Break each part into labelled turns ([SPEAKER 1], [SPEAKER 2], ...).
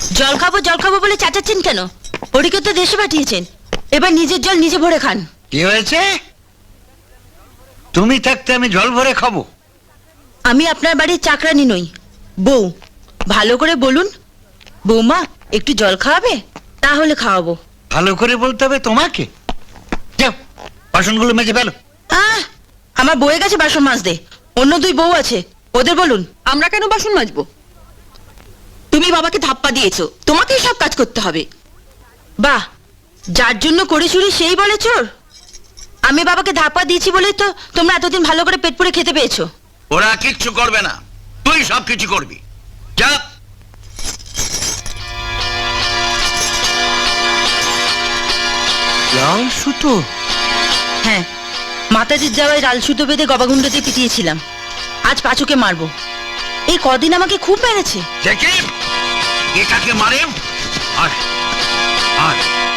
[SPEAKER 1] জল খাবো বলে চাচাচ্ছেন কেন? ওদিকে তো দেশে পাঠিয়েছেন, এবার নিজের জল নিজে ভরে খান।
[SPEAKER 2] কি হয়েছে? তুমি থাকতে আমি জল ভরে খাবো?
[SPEAKER 1] আমি আপনার বাড়ির চাকরানি নই, বউ। ভালো করে বলুন, বৌমা একটু জল খাওয়াবে? তাহলে খাওয়াবো।
[SPEAKER 2] ভালো করে বলতে হবে তোমাকে। যাও, বাসনগুলো মেজে ফেলো।
[SPEAKER 1] আমার বউয়ের কাছে বাসন মাজতে, অন্য দুই বউ আছে, ওদের বলুন।
[SPEAKER 3] আমরা কেন বাসন মাজবো? তুমি বাবাকে ধাপ্পা দিয়েছো, তোমাকেই সব কাজ করতে হবে।
[SPEAKER 1] বাহ, যার জন্য করে চুরি সেই বলে চোর। আমি বাবাকে ধাপ্পা দিয়েছি বলেই তো তোমরা এতদিন ভালো করে পেট পুড়ে খেতে পেয়েছো।
[SPEAKER 2] ওরা কিচ্ছু করবে না, তুই সব কিছু করবি। যা। লাল সুতো?
[SPEAKER 1] হ্যাঁ, মাতাজির যাওয়ায় লাল সুতো বেঁধে গবাগুন্ডতে পিটিয়েছিলাম। আজ পাঁচুকে মারবো। এই কদিন আমাকে খুব মেরেছে।
[SPEAKER 2] দেখি এটাকে মারে। আর আর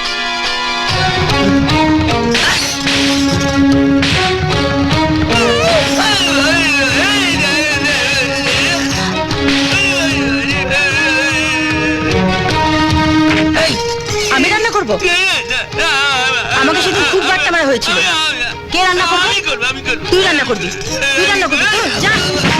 [SPEAKER 1] আমি রান্না করবো? আমাকে সেদিন খুব বাট্টা মারা হয়েছিল। কে রান্না করবে? তুই রান্না করবি, তুই রান্না করবি তো, যা।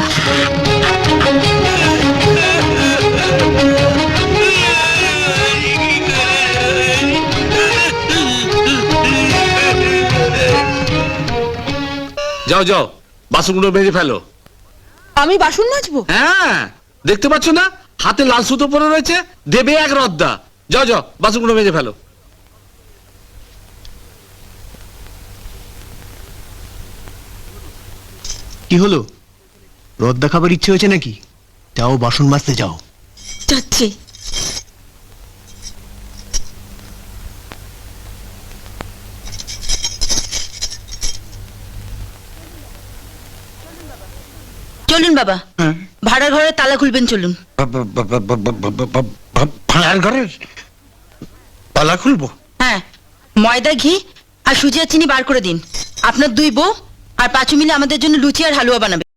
[SPEAKER 4] যাও যাও, বাসনগুলো মেজে ফেলো।
[SPEAKER 3] আমি বাসন মাজবো?
[SPEAKER 4] হ্যাঁ, দেখতে পাচ্ছ না হাতে লাল সুতো পরে রয়েছে, দেবে এক রদ্দা। যাও যাও, বাসনগুলো মেজে ফেলো।
[SPEAKER 5] কি হলো, রদ্দা খাবার ইচ্ছে হয়েছে নাকি? যাও বাসন মাজতে যাও।
[SPEAKER 1] যাচ্ছি। চলুন বাবা, ভাড়ার ঘরে তালা খুলবেন, চলুন।
[SPEAKER 2] ভাড়ার ঘরের তালা খুলবো?
[SPEAKER 1] হ্যাঁ, ময়দা, ঘি আর সুজি আর চিনি বার করে দিন। আপনার দুই বউ আর পাঁচু মিলে আমাদের জন্য লুচি আর হালুয়া বানাবে।